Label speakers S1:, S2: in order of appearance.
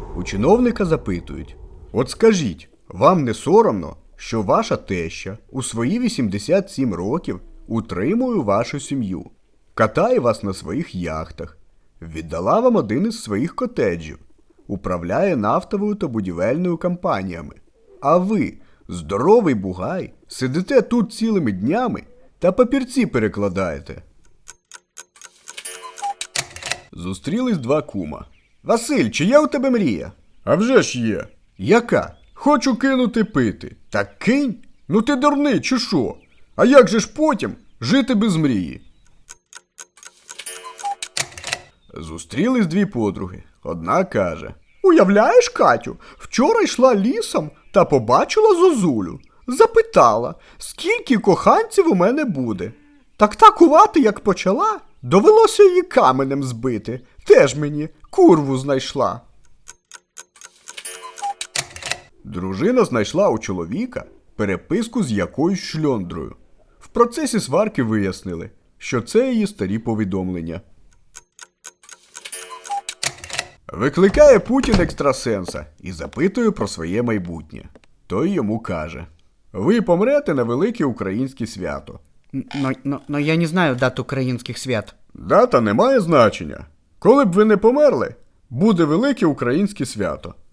S1: У чиновника запитують: от скажіть, вам не соромно, що ваша теща у свої 87 років утримує вашу сім'ю, катає вас на своїх яхтах, віддала вам один із своїх котеджів, управляє нафтовою та будівельною компаніями, а ви, здоровий бугай, сидите тут цілими днями та папірці перекладаєте? Зустрілись два кума. Василь, чи є у тебе мрія? А вже ж є. Яка? Хочу кинути пити. Так кинь? Ну ти дурний, чи що? А як же ж потім жити без мрії? Зустрілись дві подруги. Одна каже: уявляєш, Катю, вчора йшла лісом та побачила зозулю. Запитала, скільки коханців у мене буде. Так такувати, як почала, довелося її каменем збити. Теж мені курву знайшла. Дружина знайшла у чоловіка переписку з якоюсь шльондрою. В процесі сварки вияснили, що це її старі повідомлення. Викликає Путін екстрасенса і запитує про своє майбутнє. Той йому каже: ви помрете на велике українське свято.
S2: Но я не знаю дат українських свят.
S1: Дата не має значення. Коли б ви не померли, буде велике українське свято.